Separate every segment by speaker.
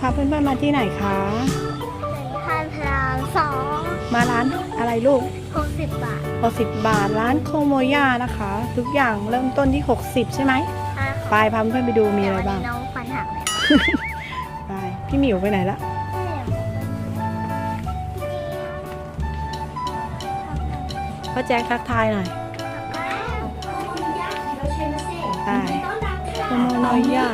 Speaker 1: พาเพื่อนๆมาที่ไหนคะ
Speaker 2: ทานพราม2
Speaker 1: มาร้านอะไรลูก
Speaker 2: 60 บาท
Speaker 1: 60 บาทร้านโคโมย่านะคะ ทุกอย่างเริ่มต้นที่60ใช่ไหมไปพาเพื่อนๆไปดูมีอะไรบ้าง
Speaker 2: น้องฟันหักแล้ว
Speaker 1: ไปพี่หมิวไปไหนละพ่อแจ็คทักทายหน่อยไปโคโมโนย่า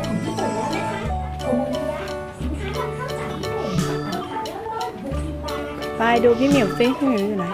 Speaker 1: ไปดูพี่หมิวซิพี่หมิวอยู่ไหน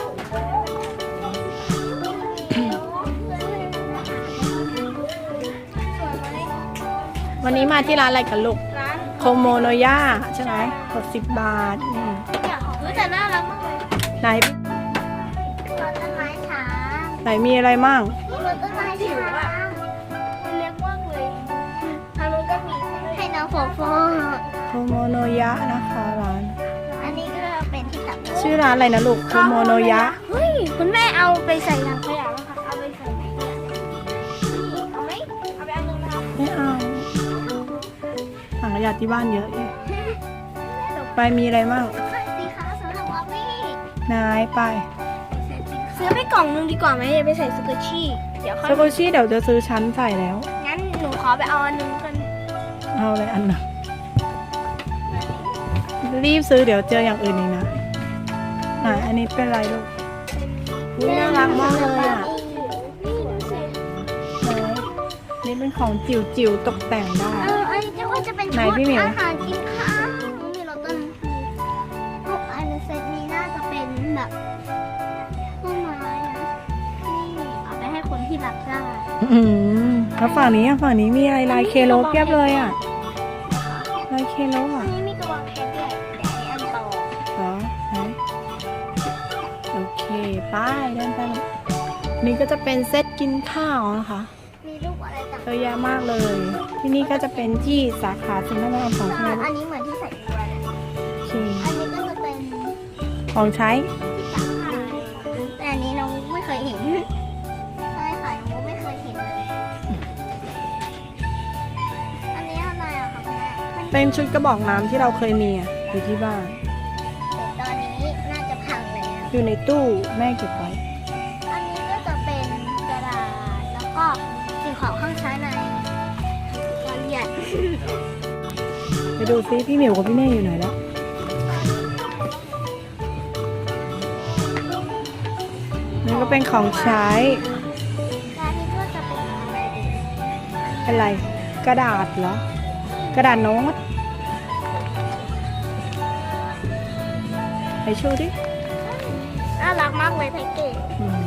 Speaker 1: วันนี้มาที่ร้านอะไรกันลูกโคโมโนย่าใช่ไหม60 บาท
Speaker 2: แต่น่ารักมากเลย
Speaker 1: ไหน
Speaker 2: ต้นไม้ช้าง
Speaker 1: ไหนมีอะไรมั่ง
Speaker 2: ต้นไม้ช้างมันเล็กมากเลยทางนู้นก็มีให้น้องโฟโฟ
Speaker 1: โคโมโนยะนะคะร้าน
Speaker 2: อันนี้ก็เป็นที่ตัก
Speaker 1: ชื่อร้านอะไรนะลูกโคโมโนยะ
Speaker 2: เฮ้ยคุณแม่เอาไปใส่ถังขยะแล้วค่ะเอาไปใส่ไหนเอาไหมเอาไปอันนึงนะคะ
Speaker 1: ไม่เอาถังขยะที่บ้านเยอะไปมีอะไรมั่ง
Speaker 2: สีขาวสำหรับออฟฟี่
Speaker 1: นายไป
Speaker 2: ซื้อไปกล่องนึงดีกว่าไหมอย่าไปใส่สกูชี่เดี๋ยว
Speaker 1: สกูชี่เดี๋ยวจะซื้อชั้นใส่แล้ว
Speaker 2: งั้นหนูขอไปเอาอันนึงกัน
Speaker 1: เอาเลยอันน่ะรีบซื้อเดี๋ยวเจออย่างอื่นอีกนะไหนอันนี้เป็นอะไรลูกน่ารักมากเลยอ่ะนี่เป็นของจิ๋วๆตกแต่งได้
Speaker 2: อันนี้จะเป็นชุดอาหารกินข้าวมีรสต้นพวกอันเซตนี้น่าจะเป็นแบบต้นไม้นะนี่เอาไปให้คนที่รักได้
Speaker 1: แล้วฝั่งนี้มีอะไรลายเคโลเพียบเลยอ่ะลายเคโลอ่ะ
Speaker 2: นี่มีกระวางเพชรด้วยเดี๋ยวอันต่อ
Speaker 1: เหรอโอเคไปเดินไปนี่ก็จะเป็นเซตกินข้าวนะคะ
Speaker 2: มีรูปอะไรต่าง
Speaker 1: เยอะแยะมากเลยที่นี่ก็จะเป็นที่สาขาสินค้าของใช้
Speaker 2: อันนี้เหมือนที่ใส่ตัวเลย
Speaker 1: โอเค
Speaker 2: อันนี้ก็จะเป็น
Speaker 1: ของใช้
Speaker 2: แต่อันนี้น้องไม่เคยเห็นใช่ค่ะน้องไม่เคยเห็นเลยอันนี้อะไรอะคะแม่
Speaker 1: เป็นชุดกระบอกน้ำที่เราเคยมีอยู่ที่บ้าน
Speaker 2: ตอนนี้น่าจะพังแล้ว
Speaker 1: อยู่ในตู้แม่เก็บไว้
Speaker 2: อันนี้ก็จะเป็นกระดาษแล้วก็สิ่งของข้างใช้ในการเรียน
Speaker 1: ไปดูซิพี่หมิวกับพี่เน่อยู่ไหนแล้วนี่ก็เป็นของใช้
Speaker 2: การนี้ก็จะเป็นอะไร
Speaker 1: เป็นอะไรกระดาษเหรอกระดาษโน้ตไปชูดิ
Speaker 2: น่ารักมากเลยแพ็กเกจ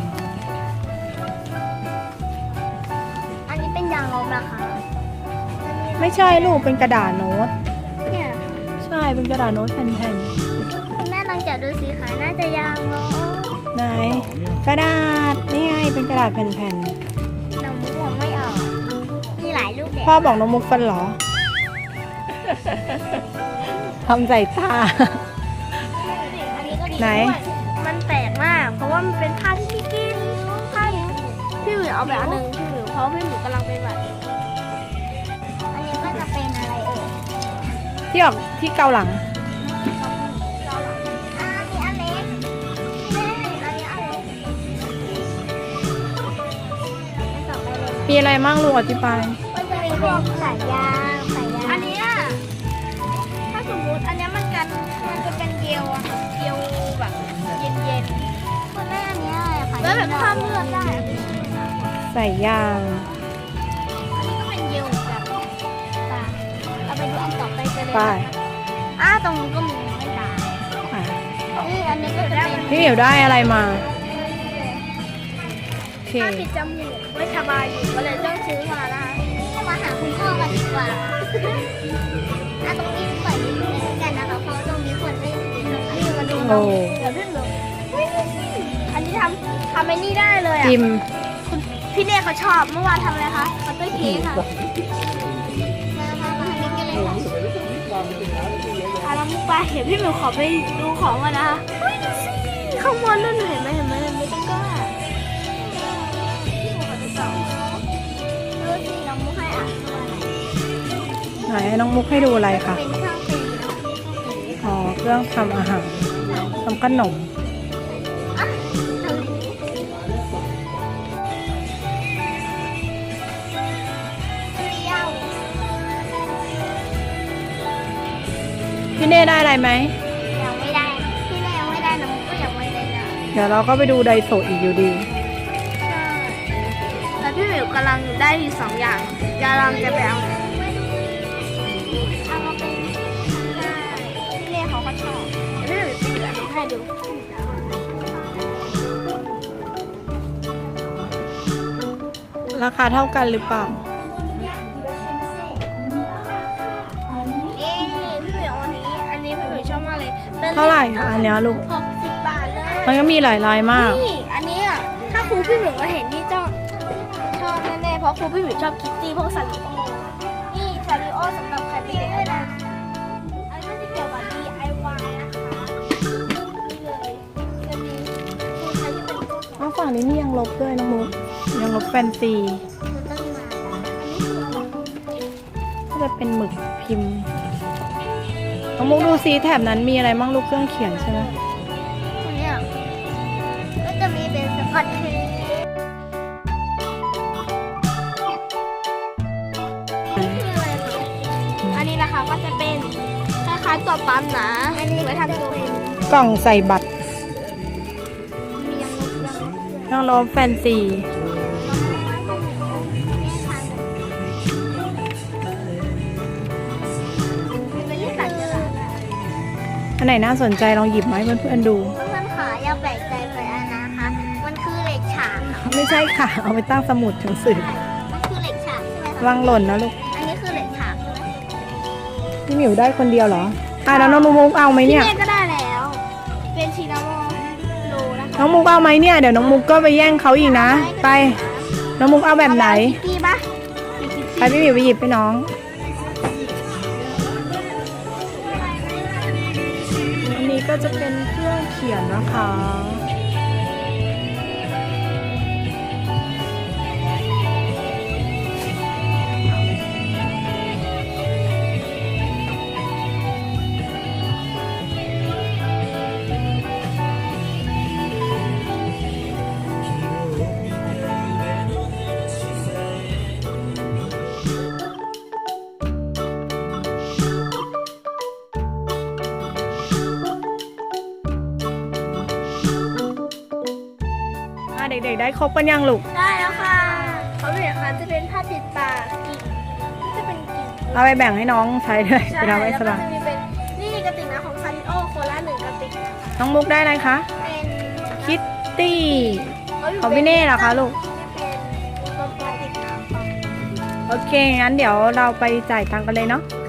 Speaker 2: อันนี้เป็นยางลบนะคะ
Speaker 1: ไม่ใช่ลูกเป็นกระดาษโน้ต
Speaker 2: เนี่ย
Speaker 1: ใช่เป็นกระดาษโน้ตแผ่น
Speaker 2: ๆคุณแม่ลองจับดูสิคะน่าจะยางลบ
Speaker 1: ไหนกระดาษนี่ไงเป็นกระดาษแผ่น
Speaker 2: น้องมุกมองไม่ออกมีหลายรูปแบบ
Speaker 1: พ่อบอกน้องมุกฟันหรอทำใส่ตาไหน
Speaker 2: มันแปลกมากเพราะว่ามันเป็นผ้าที่พี่กินผ้าพี่หมิวเอาแบบอันนึงพี่หมิวเพราะพี่หมิวกำลังเป็นแบบอันนี้ก็จะเป็นอะไร
Speaker 1: ที่ออกที่เกาหลัง
Speaker 2: อันนี้อันเล็กอันนี้อันเล็ก
Speaker 1: มีอะไรมั่งลูกอธิบาย
Speaker 2: มันจะมีพวกสายยางอันนี้ถ้าสมมติอันนี้มันจะเป็นเจลอะเจลแบบเย็นๆคนแรกอันนี้อะไรคะแล้วแบบข้ามเลือดได้
Speaker 1: ใส่ยาง
Speaker 2: อันนี้ก็เป็นเจลแบบเอาไปดูอันต่อไปกันเลยตรงนี้ก็มีไม่ตายอันนี้ก็จะเป็น
Speaker 1: พี่เหมียวได้อะไรมา
Speaker 2: ถ้าปิดจมูกไม่สบายอยู่ก็เลยต้องซื้อมาแล้วมาหาคุณพ่อกันดีกว่าตรงนี้เปิดนิดนึงกันนะคะเพราะตรงนี้ควรไม่นี่มาดูเราเดี๋ยวพี่หนูอันนี้ทำไอ้นี่ได้เลย
Speaker 1: จิม
Speaker 2: พี่เน่เขาชอบเมื่อวานทำอะไรคะคัตเตอร์เค้กค่ะมาทำนี้กันเลยค่ะแล้วมุกไปเดี๋ยวพี่หนูขอไปดูของก่อนนะคะข้างบนนั่นเห็นไหมไม่ต้องกล้าดูสิน้องมุกให้
Speaker 1: ไหนน้องมุกให้ดูอะไรคะ
Speaker 2: เป็นเครื่องตี
Speaker 1: เครื่องทำอาหารทำขนม
Speaker 2: อ่ะเรียว
Speaker 1: พี่เน่ได้อะไรไหม
Speaker 2: ยังไม่ได้พี่แม่ยังไม่ได้น้องก็ยังไม่ได้นะ
Speaker 1: เดี๋ยวเราก็ไปดูไดโซะอีกอยู่ดี
Speaker 2: ใช่แต่พี่หมิวกำลังได้อยู่สองอย่างกำลังจะไปเอาเอามาเป็นได้พี่เล่เขาก็ชอบเดี๋ยวพี่หมิวไปเหลือให้ดู
Speaker 1: ราคาเท่ากันหรือเปล่า
Speaker 2: เอ๊ะพี่หมิวอันนี้พี่หมิวชอบมากเลยป็น
Speaker 1: เท่าไหร่คะอันเนี้ยลูก
Speaker 2: 60 บาทเลย
Speaker 1: มันก็มีหลายลายมาก
Speaker 2: นี่อันนี้อ่ะถ้าครูพี่หมิวมาเห็นนี่ชอบแน่ๆเพราะครูพี่หมิวชอบคิตตี้พวกซาริโอนี่ซาริโอสำหรับใครเป็นเด็กด้วยนะอันนี้จะเกี่ยวกับ DIY นะคะนี่เลยจะมีคือใครที่เป็นตัวของ
Speaker 1: น้องฝั่งนี้มียังลบด้วยน้องมุกยังลบแฟนซี
Speaker 2: มันต้องมาอันนี้คืออะไร
Speaker 1: ก็จะเป็นหมึกพิมพ์ น้องมุกดูซิแถบนั้นมีอะไรบ้างลูกเครื่องเขียนใช่ไหม
Speaker 2: ตัวเนี้ยก็จะมีเป็นสกอตเทปคืออะไรคะอันนี้นะคะก็จะเป็นคล้ายๆตัวปั๊มนะอันนี้ไว้ทำตัวเป็น
Speaker 1: กล่องใส่บัตร
Speaker 2: มียังลบยัง
Speaker 1: ยังลบแฟนซี
Speaker 2: เป็นที่ตัดกระดาษ
Speaker 1: อันไหนน่าสนใจลองหยิบมาให้เพื่อนๆดู
Speaker 2: เพื่อนๆขาอย่าแปลกใจไปนะคะ มันคือเหล็กฉากค่ะ
Speaker 1: ไม่ใช่ค่ะ เอาไปตั้งสมุดหนังสือ
Speaker 2: มันคือเหล็กฉากใช่ไหมคะ
Speaker 1: วางหล่นนะลูก
Speaker 2: อันนี้คือเหล็กฉากใช่ไหม
Speaker 1: พี่หมิวได้คนเดียวเหรอแล้วน้องมุกเอาไหม
Speaker 2: พี่
Speaker 1: เนี่ย
Speaker 2: เน่ก็ได้แล้ว เป็นชินามอโลนะคะ
Speaker 1: น้องมุกเอาไหมเนี่ย เดี๋ยวน้องมุกก็ไปแย่งเขาอีกนะ ไป น้องมุกเอาแบบไหน
Speaker 2: คิตตี้ปะ
Speaker 1: ไปพี่หมิวไปหยิบไปน้อง อันนี้ก็จะเป็นเครื่องเขียนนะคะ เด็กๆได้ครบกันยังลูก
Speaker 2: ได้แล้วค่ะเขาเป็นอย่างนั้นจะเป็นผ้าปิดปากกิ่งจะเป็นกิ่ง
Speaker 1: เอาไปแบ่งให้น้องใช้ด้วยไปทำให้สบาย
Speaker 2: แล้วก็จะมีเป็นนี่กระติกน้ำของซาริโอโคลา1 กระติกนะคะ
Speaker 1: น้องมุกได้อะไรคะ
Speaker 2: เป็น
Speaker 1: คิตตี้ของพี่เน่เหรอคะลูก
Speaker 2: เป็นกระติกน้ำ
Speaker 1: โอเค งั้นเดี๋ยวเราไปจ่ายตังค์กันเลยเนาะ
Speaker 2: ไ